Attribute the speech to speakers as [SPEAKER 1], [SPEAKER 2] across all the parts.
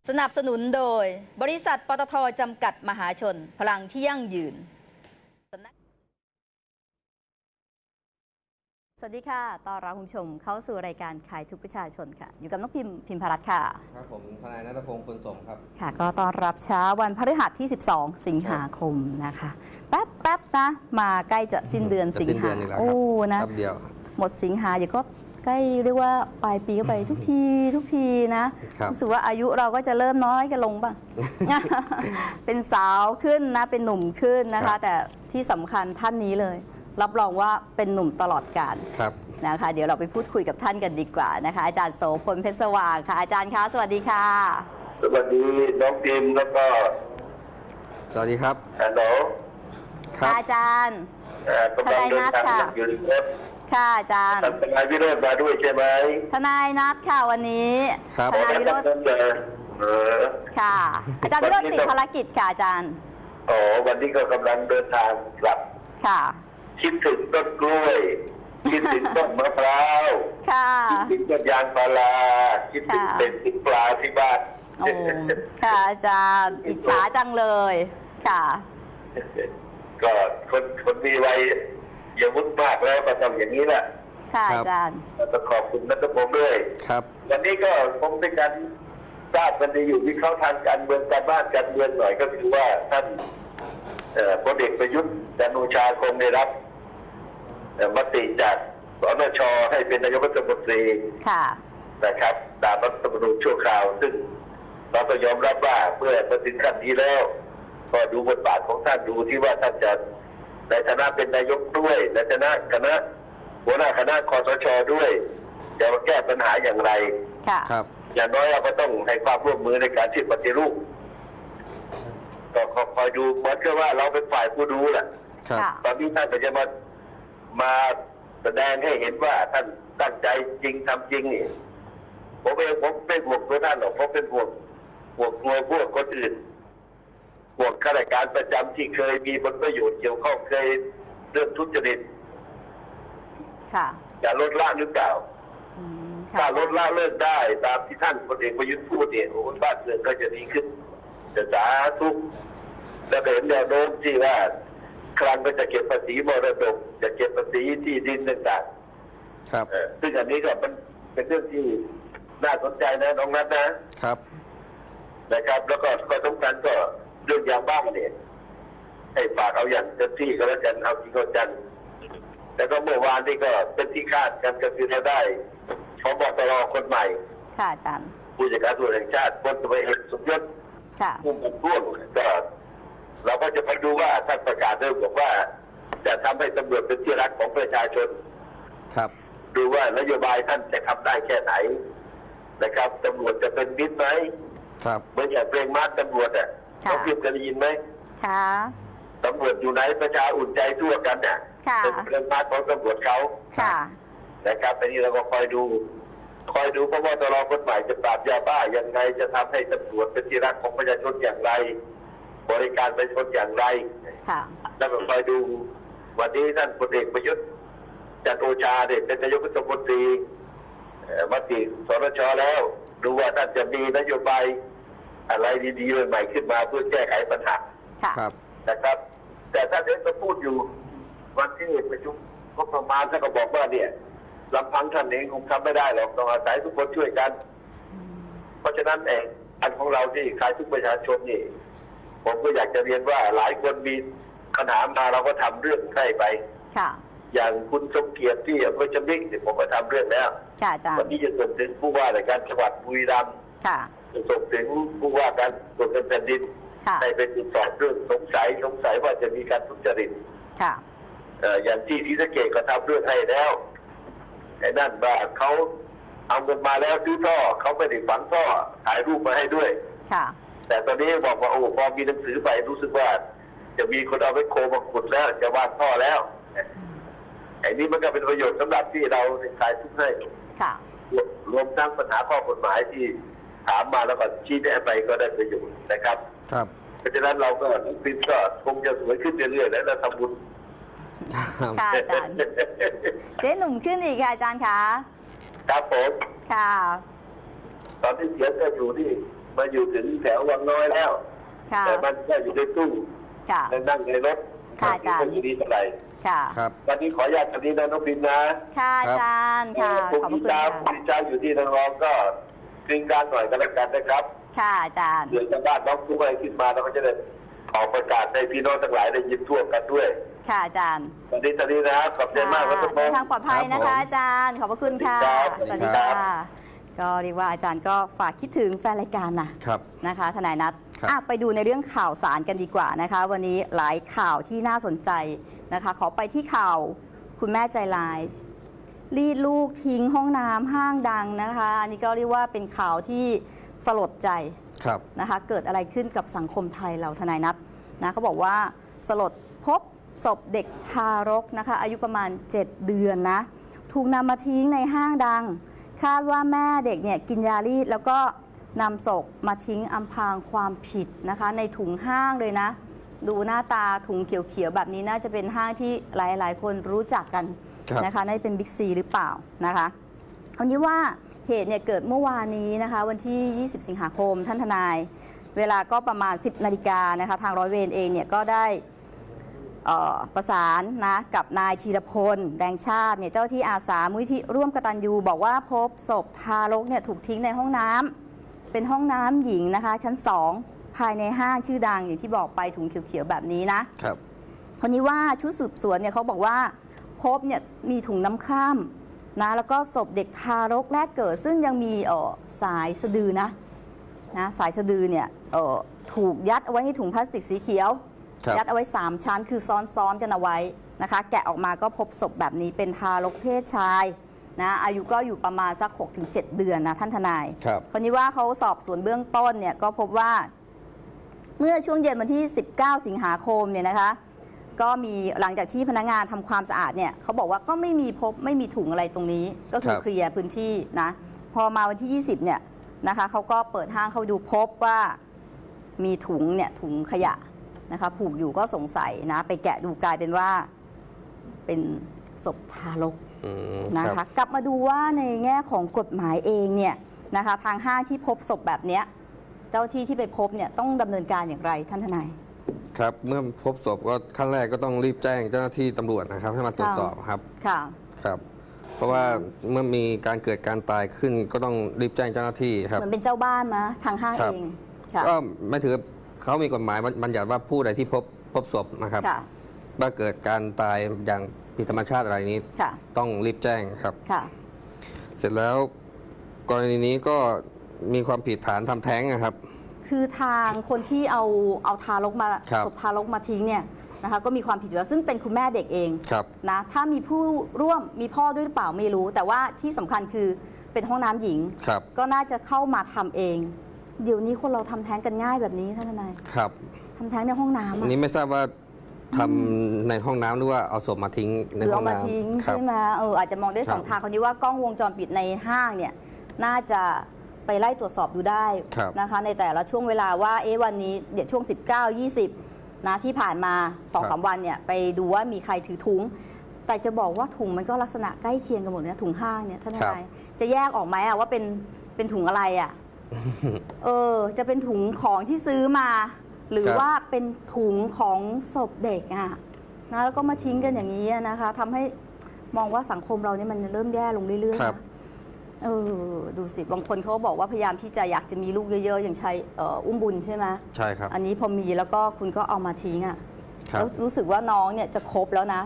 [SPEAKER 1] สนับสนุนโดยบริษัทปตท.จำกัดมหาชนพลังที่ยั่งยืนสวัสดีค่ะต้อนรับคุณผู้ชมเข้าสู่รายการขายทุกประชาชนค่ะอยู่กับน้องพิมพรัตน์ค่ะ
[SPEAKER 2] ครับผมทนายณัฐพงศ์ปุณสมครับ
[SPEAKER 1] ค่ะก็ต้อนรับเช้าวันพฤหัสที่12สิงหาคมนะคะแป๊บนะมาใกล้จะสิ้นเดือนสิงหาโอ้นะ
[SPEAKER 2] เดียว
[SPEAKER 1] หมดสิงหาอยู่ก็ใกล้เรียกว่าปลายปีก็ไปทุกทีนะรู้สึกว่าอายุเราก็จะเริ่มน้อยกันลงบ้าง เป็นสาวขึ้นนะเป็นหนุ่มขึ้นนะคะแต่ที่สำคัญท่านนี้เลยรับรองว่าเป็นหนุ่มตลอดกาลนะคะเดี๋ยวเราไปพูดคุยกับท่านกันดีกว่านะคะอาจารย์โสพลเพชรสว่างค่ะอาจารย์คะสวัสดีค่ะ
[SPEAKER 3] สวัสดีน้องพิมแล้วก็
[SPEAKER 2] สวัสดีครับ
[SPEAKER 3] ฮัลโหล
[SPEAKER 1] ค่ะอาจารย์
[SPEAKER 3] ทนายนัทค่ะ
[SPEAKER 1] ค่ะอาจารย์
[SPEAKER 3] ทนายวิโรจน์มาด้วยใช่ไหม
[SPEAKER 1] ทนายนัทค่ะวันนี้ทนายวิโรจน์ค่ะอาจารย์วิโรจน์ติดภารกิจค่ะอาจารย์
[SPEAKER 3] วันนี้ก็กำลังเดินทางกลับ
[SPEAKER 1] ค่ะ
[SPEAKER 3] คิดถึงต้นกล้วยคิดถึงต้นมะพร้าวคิดถึงต้นยางพาราคิดถึงเป็ดถึงปลาที่บ้าน
[SPEAKER 1] ค่ะอาจารย์อิจฉาจังเลยค่ะ
[SPEAKER 3] ก็คนมีวัยอย่าวุ่นมากแล้วก็ทำอย่างนี้แหละ
[SPEAKER 1] ค่ะอาจารย์
[SPEAKER 3] ต้องขอบคุณณัฐพงศ์ด้วย
[SPEAKER 2] ครับ
[SPEAKER 3] วันนี้ก็คงเป็นการทราบกันดีอยู่วิเคราะห์ทางการเมืองการบ้านการเมืองหน่อยก็คือว่าท่านพลเอกประยุทธ์จันทร์โอชาคงได้รับมติจากสนช.ให้เป็นนายกรัฐมนตรีนะครับตามรัฐธรรมนูญชั่วคราวซึ่งเราต้องยอมรับว่าเมื่อมาถึงขั้นนี้แล้วก็ดูบทบาทของท่านดูที่ว่าท่านจะในฐานะเป็นนายกด้วยในฐานะหัวหน้าคณะคสช.ด้วยจะมาแก้ปัญหาอย่างไร
[SPEAKER 2] ครับ
[SPEAKER 3] อย่างน้อยเราก็ต้องให้ความร่วมมือในการที่ปฏิรูปก็คอยดูเหมือนกับว่าเราเป็นฝ่ายผู้ดูแหละตอนนี้ท่านก็จะมาแสดงให้เห็นว่าท่านตั้งใจจริงทำจริงนี่ผมไม่ห่วงตัวท่านหรอกผมเป็นห่วงพวกคนอื่นห่วงข้าราชการประจำที่เคยมีผลประโยชน์เกี่ยวข้องเคยเรื่องทุจริตจะลดละหรือเปล่าถ้าลดละเลิกได้ตามที่ท่านพลเอกประยุทธ์พูดเนี่ยบ้านเมืองก็จะดีขึ้นจะสาธุและเห็นแนวโน้มที่ว่าครั้งก็จะเก็บภาษีมรดกจะเก็บภาษีที่ดินต่าง
[SPEAKER 2] ๆครับ
[SPEAKER 3] ซึ่งอันนี้ก็มันเป็นเรื่องที่น่าสนใจนะน้องนัทนะครับแล้วก็สำคัญก็เรื่องยาบ้าเนี่ยให้ฝากเอาอย่างเต็มที่ก็แล้วกันเอาจริงเอาจังแล้วก็เมื่อวานนี่ก็เป็นที่คาดกันก็คือเราได้พบตรคนใหม่
[SPEAKER 1] ค่ะอาจารย์
[SPEAKER 3] ผู้จัดการตำรวจแห่งชาติพลตำรวจเอกสมยศพุ่มพ่วงก็เราก็จะไปดูว่าท่านประกาศเริ่มบอกว่าจะทำให้ตำรวจเป็นที่รักของประชาชน
[SPEAKER 2] ครับ
[SPEAKER 3] ดูว่านโยบายท่านจะทำได้แค่ไหนนะครับตำรวจจะเป็นมิตรไหม
[SPEAKER 2] ครับ
[SPEAKER 3] เหมือนอย่างเพลงมาร์ชตำรวจเขาพิมพ์กันยินไหม
[SPEAKER 1] ค่ะ
[SPEAKER 3] ตำรวจอยู่ไหนประชาอุ่นใจทั่วกันเนี่ยเป็นเพลงมาร์ชของตำรวจเขานะครับอันนี้เราก็คอยดูเพราะว่าตลอดคนใหม่จะปราบยาบ้าอย่างไรจะทำให้ตำรวจเป็นที่รักของประชาชนอย่างไรบริการประชาชนอย่างไรแล้วก็คอยดูวันนี้ท่านพลเอกประยุทธ์จันทร์โอชาเนี่ยเป็นนายกรัฐมนตรีมติสนช.แล้วดูว่าท่านจะมีนโยบายอะไรดีๆใหม่ขึ้นมาเพื่อแก้ไขปัญหานะครับแต่ท่านเองก็พูดอยู่วันที่ประชุมงบประมาณท่านก็บอกว่าเนี่ยลำพังท่านเองคงทำไม่ได้หรอกต้องอาศัยทุกคนช่วยกันเพราะฉะนั้นเองอันของเราที่ขายทุกประชาชนนี่ผมก็อยากจะเรียนว่าหลายคนมีปัญหามาเราก็ทำเรื่องให้ไปอย่างคุณสมเกียรติที่อำเภอจำนิกผมก็ทำเรื่องแล้ววันนี้จะส่งถึงผู้ว่าราชการจังหวัดบุรีรัมย์จะส่งถึงผู้ว่าการตรวจเงินแผ่นดินให้ไปตรวจสอบเรื่องสงสัยว่าจะมีการทุจริตอย่างที่ศรีสะเกษก็ทำเรื่องให้แล้วไอ้นั่นว่าเขาเอาเงินมาแล้วซื้อท่อเขาไม่ได้ฝังท่อถ่ายรูปมาให้ด้วยแต่ตอนนี้บอกว่าพอมีหนังสือไปรู้สึกว่าจะมีคนเอาไปโคมาขุดแล้วจะวางท่อแล้วไอ้นี้มันก็เป็นประโยชน์สำหรับที่เราขายทุกให้รวมทั้งปัญหาข้อกฎหมายที่ถามมาแล้วก็ชี้แนะไปก็ได้ประโยชน์นะครับเพราะฉะนั้นเราก็ฟิล์มก็คงจะสวยขึ้นเรื่อยๆและทำบุญ
[SPEAKER 1] ค่ะอาจารย์เจ๊หนุ่มขึ้นอีกค่ะอาจารย์คะ
[SPEAKER 3] ครับผม
[SPEAKER 1] ค่ะ
[SPEAKER 3] ตอนที่เสียงก็อยู่ที่มาอยู่ถึงแถววังน้อยแล้ว
[SPEAKER 1] ค่ะ
[SPEAKER 3] แต่มันก็อยู่ในตู้
[SPEAKER 1] ค่ะ
[SPEAKER 3] และนั่งในรถ
[SPEAKER 1] ค่ะอาจารย์
[SPEAKER 3] ไม่อยู่ดีเท่าไหร่
[SPEAKER 1] ค่ะ
[SPEAKER 2] ครับ
[SPEAKER 3] วันนี้ขออนุญาตตรงนี้นะน้องพิมนะ
[SPEAKER 1] ค่ะอาจารย์ค่ะ
[SPEAKER 3] พรุ่ง
[SPEAKER 1] ขอบพระ
[SPEAKER 3] นี้
[SPEAKER 1] คุณ
[SPEAKER 3] เช้า
[SPEAKER 1] ค่ะ
[SPEAKER 3] พรุ่งนี้เช้าอยู่ที่นางรองก็กริ้งการหน่อยก็แล้วกันนะครับ
[SPEAKER 1] ค่ะอาจารย์
[SPEAKER 3] เดี๋ยวชาวบ้านน้องทุกอะไรขึ้นมาเราก็จะได้ออกประกาศให้พี่น้องทั้งหลายได้ยินทั่วกันด้วย
[SPEAKER 1] ค่ะอาจารย์
[SPEAKER 3] วันนี้ตอนนี้นะครับขอบใจมากครับทุกค
[SPEAKER 1] เดิ
[SPEAKER 3] น
[SPEAKER 1] นทางปลอดภัยนะคะอาจารย์ ขอบพระคุณค่ะ
[SPEAKER 3] ครับ
[SPEAKER 1] สวัสดีค่ะ ก็เรียกว่าอาจารย์ก็ฝากคิดถึงแฟนรายการนะครับ นะคะทนายนัท
[SPEAKER 2] ครับ
[SPEAKER 1] ไปดูในเรื่องข่าวสารกันดีกว่านะคะ วันนี้หลายข่าวที่น่าสนใจนะคะ ขอไปที่ข่าวคุณแม่ใจร้ายรีดลูกทิ้งห้องน้ำห้างดังนะคะ อันนี้ก็เรียกว่าเป็นข่าวที่สลดใจ
[SPEAKER 2] ครับ
[SPEAKER 1] นะคะเกิดอะไรขึ้นกับสังคมไทยเราทนายนัทนะเขาบอกว่าสลดพบศพเด็กทารกนะคะอายุประมาณ 7 เดือนนะถูกนำมาทิ้งในห้างดัง คาดว่าแม่เด็กเนี่ยกินยารีดแล้วก็นำศพมาทิ้งอำพรางความผิดนะคะในถุงห้างเลยนะ ดูหน้าตาถุงเขียวๆแบบนี้น่าจะเป็นห้างที่หลายๆ คนรู้จักกัน
[SPEAKER 2] ครับ
[SPEAKER 1] นะคะน่าจะเป็นบิ๊กซีหรือเปล่านะคะอันนี้ว่าเหตุเนี่ยเกิดเมื่อวานนี้นะคะวันที่ 20 สิงหาคมท่านทนาย เวลาก็ประมาณ 10 นาฬิกานะคะทางร้อยเวรเองเนี่ยก็ได้ประสานนะกับนายธีรพลแดงชาติเนี่ยเจ้าที่อาสามูลที่ร่วมกตัญญูบอกว่าพบศพทารกเนี่ยถูกทิ้งในห้องน้ำเป็นห้องน้ำหญิงนะคะชั้น 2 ภายในห้างชื่อดังอย่างที่บอกไปถุงเขียวๆแบบนี้นะครับ คนนี้ว่าชุดสืบสวนเนี่ยเขาบอกว่าพบเนี่ยมีถุงน้ำคร่ำนะแล้วก็ศพเด็กทารกแรกเกิด ซึ่งยังมีสายสะดือนะสายสะดือเนี่ยถูกยัดเอาไว้ในถุงพลาสติกสีเขียว
[SPEAKER 2] ครับ
[SPEAKER 1] ยัดเอาไว้ 3 ชั้นคือซ้อนๆกันเอาไว้นะคะแกะออกมาก็พบศพแบบนี้เป็นทารกเพศชายนะอายุก็อยู่ประมาณสัก 6-7 เดือนนะท่านทนาย
[SPEAKER 2] ครับ
[SPEAKER 1] คนนี้ว่าเขาสอบสวนเบื้องต้นเนี่ยก็พบว่าเมื่อช่วงเย็นวันที่ 19 สิงหาคมเนี่ยนะคะก็มีหลังจากที่พนักงานทำความสะอาดเนี่ยเขาบอกว่าก็ไม่มีถุงอะไรตรงนี้ก็คือ
[SPEAKER 2] ครับ
[SPEAKER 1] เคลียร์พื้นที่นะพอมาวันที่ 20เนี่ยนะคะเขาก็เปิดห้างเข้าไปดูพบว่ามีถุงเนี่ยถุงขยะนะคะผูกอยู่ก็สงสัยนะไปแกะดูกลายเป็นว่าเป็นศพทารก
[SPEAKER 2] อืม
[SPEAKER 1] นะคะกลับมาดูว่าในแง่ของกฎหมายเองเนี่ยนะคะทางห้างที่พบศพแบบเนี้ยเจ้าที่ที่ไปพบเนี่ยต้องดำเนินการอย่างไรท่านทนาย
[SPEAKER 2] ครับ เมื่อพบศพก็ขั้นแรกก็ต้องรีบแจ้งเจ้าหน้าที่ตำรวจนะครับให้มาตรวจสอบครับ
[SPEAKER 1] ค่ะ
[SPEAKER 2] ครับ เพราะว่าเมื่อมีการเกิดการตายขึ้นก็ต้องรีบแจ้งเจ้าหน้าที่ครับ
[SPEAKER 1] เหมือนเป็นเจ้าบ้านมะทางห้าง
[SPEAKER 2] ครั
[SPEAKER 1] เอบ งค่ะ
[SPEAKER 2] ก็ไม่ถือเขามีกฎหมายบัญญัติว่าผู้ใดที่พบศพนะครับ
[SPEAKER 1] ค่ะ
[SPEAKER 2] ว่าเกิดการตายอย่างผิดธรรมชาติอะไรนี้
[SPEAKER 1] ค่ะ
[SPEAKER 2] ต้องรีบแจ้งครับ
[SPEAKER 1] ค่ะ
[SPEAKER 2] เสร็จแล้วกรณีนี้ก็มีความผิดฐานทำแท้งนะครับ
[SPEAKER 1] คือทางคนที่เอาทารกมา
[SPEAKER 2] ครับ
[SPEAKER 1] ศพทารกมาทิ้งเนี่ยนะคะก็มีความผิดอยู่แล้วซึ่งเป็นคุณแม่เด็กเอง
[SPEAKER 2] ครับ
[SPEAKER 1] นะถ้ามีผู้ร่วมมีพ่อด้วยหรือเปล่าไม่รู้ แต่ว่าที่สำคัญคือเป็นห้องน้ำหญิง
[SPEAKER 2] ครับ
[SPEAKER 1] ก็น่าจะเข้ามาทำเอง เดี๋ยวนี้คนเราทำแท้งกันง่ายแบบนี้ท่านทนาย
[SPEAKER 2] ครับ
[SPEAKER 1] ทำแท้งในห้องน้ำ
[SPEAKER 2] อั
[SPEAKER 1] อะ
[SPEAKER 2] นนี้ไม่ทราบว่าทำในห้องน้ำหรือว่าเอาศพมาทิ้ง
[SPEAKER 1] ห
[SPEAKER 2] ใน
[SPEAKER 1] รือ
[SPEAKER 2] ห้อ
[SPEAKER 1] เอา
[SPEAKER 2] ง
[SPEAKER 1] มา
[SPEAKER 2] น้ำ
[SPEAKER 1] ทิ้ง
[SPEAKER 2] ครั
[SPEAKER 1] ใช่ไหมอาจจะมองได้สอง
[SPEAKER 2] ครับ
[SPEAKER 1] ทางคนนี้ว่ากล้องวงจรปิดในห้างเนี่ยน่าจะไปไล่ตรวจสอบดูได้
[SPEAKER 2] ครับ
[SPEAKER 1] นะคะในแต่ละช่วงเวลาว่าวันนี้เดี๋ยวช่วง 19-20นะที่ผ่านมา 2-3 วันเนี่ยไปดูว่ามีใครถือถุง แต่จะบอกว่าถุงมันก็ลักษณะใกล้เคียงกันหมดเนี่ยถุงห้างเนี่ยท่านทนายจะแยกออกไหมอะว่าเป็นถุงอะไรอะ จะเป็นถุงของที่ซื้อมา หรือ
[SPEAKER 2] ครับ
[SPEAKER 1] ว่าเป็นถุงของศพเด็กอะนะแล้วก็มาทิ้งกันอย่างนี้อะนะคะทำให้มองว่าสังคมเราเนี่ยมันเริ่มแย่ลงเรื่อยๆ
[SPEAKER 2] ครับ
[SPEAKER 1] นะดูสิบางคนเขาก็บอกว่าพยายามที่จะอยากจะมีลูกเยอะๆ อย่างใช้อุ้มบุญใช่ไหม
[SPEAKER 2] ใช่ครับ
[SPEAKER 1] อันนี้พอมีแล้วก็คุณก็เอามาทิ้งอะ
[SPEAKER 2] ครับ
[SPEAKER 1] แล้วรู้สึกว่าน้องเนี่ยจะครบแล้วนะ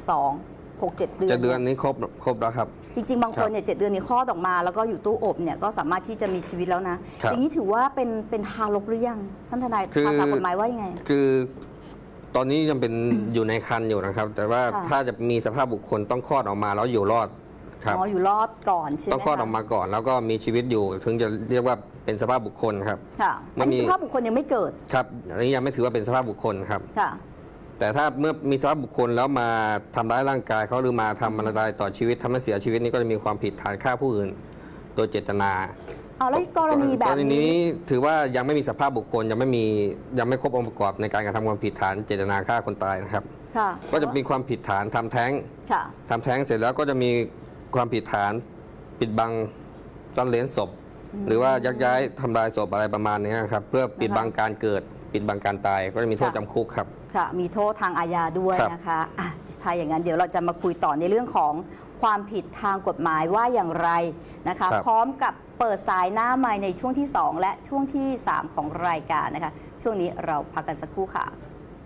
[SPEAKER 1] 32 6-7 เดือน
[SPEAKER 2] จะเดือนนี้ครบแล้วครับ
[SPEAKER 1] จริง ๆ บางคนเนี่ย7 เดือนนี้คลอดออกมา แล้วก็อยู่ตู้อบเนี่ยก็สามารถที่จะมีชีวิตแล้วนะ
[SPEAKER 2] ครับ
[SPEAKER 1] อย่างนี้ถือว่าเป็นทารกหรือยังท่านทนาย
[SPEAKER 2] คือ
[SPEAKER 1] ภาษากฎหมายว่ายังไง
[SPEAKER 2] คือตอนนี้ยังเป็น อยู่ในคันอยู่นะครับ แต่ว่า
[SPEAKER 1] ค่ะ
[SPEAKER 2] ถ้าจะมีสภาพบุคคลต้องคลอดออกมาแล้วอยู่รอดครับ
[SPEAKER 1] อ๋ออยู่รอดก่อนใช่ไหม
[SPEAKER 2] ต้องคลอด
[SPEAKER 1] คะ
[SPEAKER 2] ออกมาก่อน แล้วก็มีชีวิตอยู่ถึงจะเรียกว่าเป็นสภาพบุคคลครับ
[SPEAKER 1] ค่ะ
[SPEAKER 2] มั
[SPEAKER 1] อัน
[SPEAKER 2] นมี
[SPEAKER 1] นี้สภาพบุคคลยังไม่เกิด
[SPEAKER 2] ครับอันนี้ยังไม่ถือว่าเป็นสภาพบุคคลครับ
[SPEAKER 1] ค่ะ
[SPEAKER 2] แต่ถ้าเมื่อมีสภาพบุคคลแล้วมาทำร้ายร่างกายเขาหรือมาทำอันตรายต่อชีวิตทำให้เสียชีวิตนี่ก็จะมีความผิดฐานฆ่าผู้อื่นโดยเจตนา
[SPEAKER 1] เอาแล้วกรณีแบ
[SPEAKER 2] ก
[SPEAKER 1] บ
[SPEAKER 2] รณี
[SPEAKER 1] นี้
[SPEAKER 2] นี้ถือว่ายังไม่มีสภาพบุคคลยังไม่ครบองค์ประกอบในการกระทำความผิดฐานเจตนาฆ่าคนตายนะครับ
[SPEAKER 1] ค่ะ
[SPEAKER 2] ก็จะมีความผิดฐานทำแท้ง
[SPEAKER 1] ค่ะ
[SPEAKER 2] ทำแท้งเสร็จแล้วก็จะมีความผิดฐานปิดบังซ่อนเร้นศพหรือว่ายักย้ายทำลายศพอะไรประมาณนี้ครับเพื่อปิดบังการเกิดปิดบังการตายก็จะมีโทษจำคุกครับ
[SPEAKER 1] ค่ะมีโทษทางอาญาด้วยนะคะถ้าอย่างนั้นเดี๋ยวเราจะมาคุยต่อในเรื่องของความผิดทางกฎหมายว่าอย่างไรนะคะพร้อมกับเปิดสายหน้าไมค์ในช่วงที่ 2 และช่วงที่ 3 ของรายการนะคะช่วงนี้เราพักกันสักครู่ค่ะ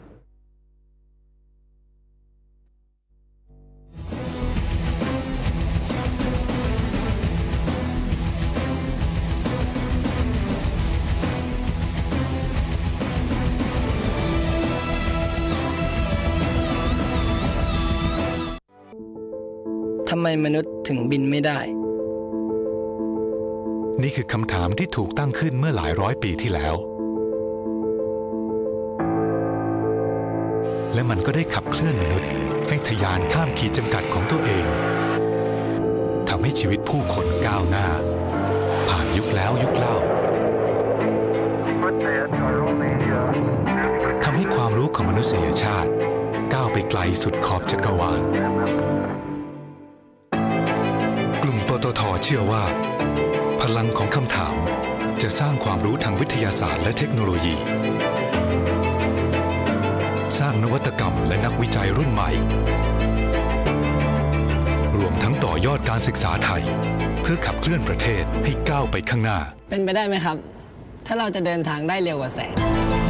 [SPEAKER 4] ทำไมมนุษย์ถึงบินไม่ได้
[SPEAKER 5] นี่คือคำถามที่ถูกตั้งขึ้นเมื่อหลายร้อยปีที่แล้วและมันก็ได้ขับเคลื่อนมนุษย์ให้ทะยานข้ามขีดจำกัดของตัวเองทำให้ชีวิตผู้คนก้าวหน้าผ่านยุคแล้วยุคเล่าทำให้ความรู้ของมนุษยชาติก้าวไปไกลสุดขอบจักรวาลกลุ่มปตท.เชื่อว่าพลังของคำถามจะสร้างความรู้ทางวิทยาศาสตร์และเทคโนโลยีสร้างนวัตกรรมและนักวิจัยรุ่นใหม่รวมทั้งต่อยอดการศึกษาไทยเพื่อขับเคลื่อนประเทศให้ก้าวไปข้างหน้า
[SPEAKER 4] เป็นไปได้ไหมครับถ้าเราจะเดินทางได้เร็วกว่าแสง